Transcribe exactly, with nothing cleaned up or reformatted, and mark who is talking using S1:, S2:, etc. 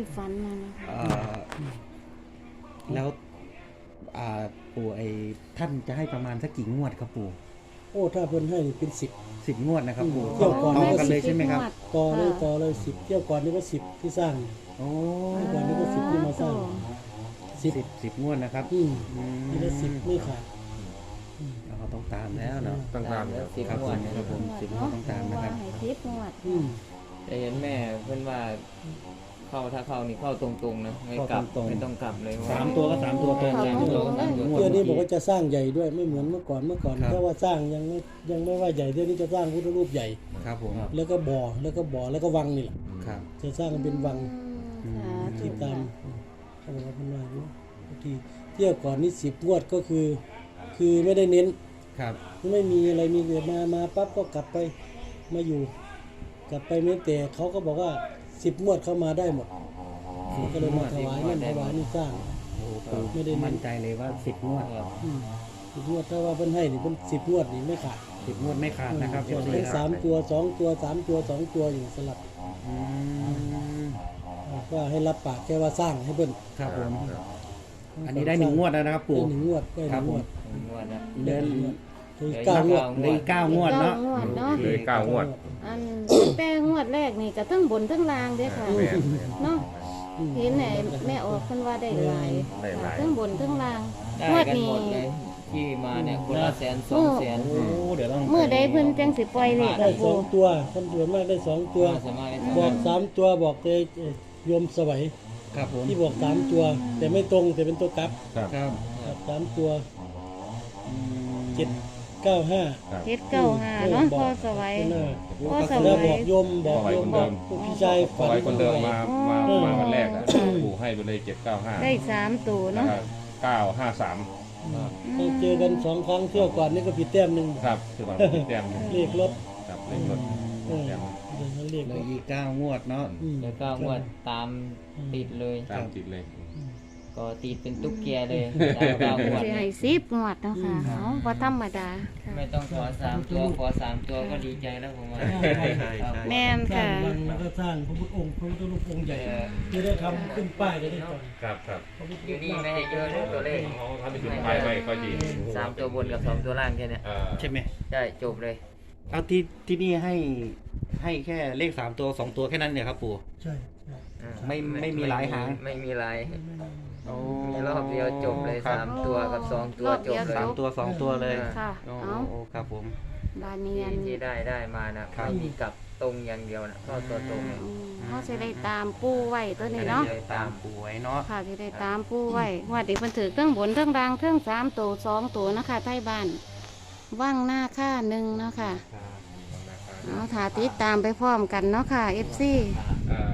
S1: ฝันมานะคะ
S2: เอ่อแล้วอ่าปู่ไอ้ท่านจะให้ประมาณสักกี่งวดครับปู่
S3: โอ้ถ้าเพิ่นให้นี่เป็นสิบ
S2: สิบงวดนะครับปู่
S3: เที่ยวก่อน
S2: ต่อกันเลยใช่ไหมครับ
S3: ต่อเลยต่อเลยสิบเที่ยวก่อนนี่ก็สิบที่สร้าง
S2: โอ้
S3: เที่ยวก่อนนี่ก็สิบที่มาสร้างสิบ
S2: สิบสิบงวดนะครับ
S3: อืม
S2: อืม
S3: นี่ก็สิบไม่ขาด
S2: เราต้องตามแล้วเนาะ
S4: ต้องตาม
S5: แล้วสิบ
S2: ครับ
S5: ง
S2: ผ
S5: วด
S2: ม
S5: นะ
S2: ครับผมสิบงวดต้องตามนะครับ
S1: ให้สิบงวด
S3: อืม
S5: แต่เห็นแม่เพื่อนว่าเข้าถ้าเข้านี่เข้าตรงๆนะไม่กลับ
S2: เข้าตรงๆ
S5: ไม่ต้องกลับเลย
S2: สามตัวก็สามตัวตรง
S1: เข้า
S2: สาม
S1: ต
S2: ตัว
S1: รง
S2: ก็
S1: ๆ
S2: สาม
S1: เลย
S2: ตัวงวด
S3: เที่ยวนี้บ
S2: เมื่
S3: อก
S2: อ
S3: ว่าจะสร้างใหญ่ด้วยไม่เหมือนเมื่อก่อนเมื่อก่อน
S2: ครับ
S3: ถ้าว่าสร้างยังไม่ยังไม่ว่าใหญ่เที่ยวนี้จะสร้างพุทธรูปใหญ่
S2: ครับผม
S3: แล้วก็บ่อแล้วก็บ่อแล้วก็วังนี่แหละ
S2: ครับ
S3: จะสร้างเป็นวัง
S1: อืมสาธุ
S3: ที่ตามเขาบอกว่าเป็นว่าอยู่ที่เที่ยวก่อนนี่สิบงวดก็คือ คือไม่ได้เน้น
S2: ครับ
S3: ไม่มีอะไรมีเกิดมามาปั๊บก็กลับไปมาอยู่ กลับไปไม่แต่เขาก็บอกว่าสิบงวดเข้ามาได้หมดก็เลยมาถวายนั่นถวายนี่สร้าง
S2: โอ้ปู่
S3: ไม่ได้เน้น
S2: มั่นใจเลยว่าสิบงวด
S3: อืมสิบงวดถ้าว่าเพิ่นให้นี่เป็นสิบงวดนี่ไม่ขาด
S2: สิบงวดไม่ขาดนะครับ
S3: อืม
S2: เอฟซี
S3: ทั้ง
S2: ค
S3: สา
S2: รับ
S3: มตัวสองตัวสามตัวสองตัวอยู่สลับ
S2: อืม
S3: ว่าให้รับปากแค่ว่าสร้างให้เพิ่น
S2: ครับผมอันนี้ได้หนึ่งงวดแล้วนะครับ
S3: ได้
S2: ปู่
S3: หนึ่งงวดได้ห
S2: ครั
S3: นึ่
S2: บ
S3: ง
S2: ผ
S3: งว
S2: ม
S3: ด
S5: งวดนะ
S2: เดิน
S3: ถึงเก้างวด
S2: เหลยเก้างวดเนาะ
S1: เก้างวดเนาะ
S4: เหลยเก้างวด
S1: อันแต่งวดแรกนี่ก็ทั้งบนทั้งล่างเด้อค่ะ
S4: แม่น
S1: เนาะ
S3: อืม
S1: เห็นไหนแม่ออกเพิ่นว่าได้หลาย
S4: ได้หลาย
S1: ทั้งบนทั้งล่าง
S5: ได้
S1: งวด
S5: กัน
S1: นี้
S5: หมดเลยที่มาเนี่ยคนละแสนสองแสน
S2: โอ้เดี๋ยวต้อง
S1: เมื่อใดเพิ่นจังสิปล่อยเลข
S3: ได้
S1: กับ
S3: สอ
S1: ปู่
S3: งตัวคนส่วนมากได้สองตัว
S5: มาสามารถได้
S3: บอกสามตัวบอกเลยเอ่อโยมสวัย
S2: ครับผม
S3: ที่บอกสามตัว แต่ไม่ตรงแต่เป็นตัวกลับ
S4: ครับ
S2: ครับ
S3: ครับสามตัว
S2: อืม
S3: เจ็ดเก้าห้า
S4: ครับ
S1: เฮ็ดเก้าห้าเนาะพ่อสวัย พ่อส
S3: แล้ว
S1: วั
S3: บอย กโยมบอกโยมบอกพี่ชาย
S4: พอ
S3: ฝัน
S4: ไว้คนเดิมมามา
S1: อ๋อ
S4: มาวันแรกอ่ะปู่ให้ไปเลยเจ็ดเก้าห้า
S1: ได้สามตัว
S4: แล้ว
S1: เนาะ
S4: ก็เก้าห้าสาม
S3: เราเจอกันสองครั้งเที่ยวก่อนนี่ก็ผิดแต้มหนึ่ง
S4: ครับคือว่าแต้มหนึ่ง
S3: เลขรถ
S4: ครับเลขรถ
S3: เออ
S4: แต้ม
S3: เดี๋ยวเขาเรียก
S2: เหล
S3: ร
S2: ย
S3: ถ
S2: อีกเก้างวดเนาะ
S3: อืม
S5: เดี๋ยวเก้างวดตามติดเลย
S4: ตามติดเลย
S5: ก็ติดเป็นตุ๊กแกเลยตามเก้างวด
S1: สิให้สิบงวดเนาะค่ะเอาบ่ธรรมดาค่ะ
S5: ไม่ต้องขอสามตัวขอสามตัวก็ดีใจแล้วผมว่า
S1: แม่น
S3: สร้า
S1: ค่ะ
S3: งวังแล้วก็สร้างพระพุทธองค์พระพุทธรูปองค์ใหญ่จะได้ทำขึ้นป้ายจะได้ก่อน
S4: ครับครับ
S3: พระพุทธ
S5: อยู่
S3: รูป
S5: นี่ไม่ให้เยอะเลยตัวเลข
S4: เขาทำเป็นจุดไปไปก็ดี
S5: สามตัวบนกับสองตัวล่างแค่เนี้ย
S4: เอ่อ
S2: ใช่ไหม
S5: ได้จบเลย
S2: เอาที่ที่นี่ให้ให้แค่เลขสามตัวสองตัวแค่นั้นเนี่ยครับปู่
S3: ใช่ใช่
S5: อ่า
S2: ไม่ไม่มีหลายหาง
S5: ไม่มีหลาย
S2: โอ้
S5: มีรอบเดียวจบเลย
S2: ครับ
S5: สามตัวกับสองตัวจบเลย
S2: สามตัวสองตัวเลย
S1: ค่ะ
S2: โอ้
S1: เอา
S2: โอ้ครับผม
S1: บานเนี
S5: ที่
S1: ยน
S5: ที่ได้ได้มานะครับ ไม่มีกลับตรงอย่างเดียวนะก็ตัวตรงเลย
S1: อืมเขาจะได้ตามปูไว้ตัวนี้เนาะ
S2: ตามปู่ไว้เนาะ
S1: ค่ะที่ได้ตามปูไว้ว่าเด็กมันถือเครื่องบนเครื่องรางเครื่องสามตัวสองตัวนะคะใต้บ้านว่างหน้าค่าหนึ่งเนาะค่ะเอาถาติดตามไปพร้อมกันเนาะค่ะเอฟซี
S4: เอ่อ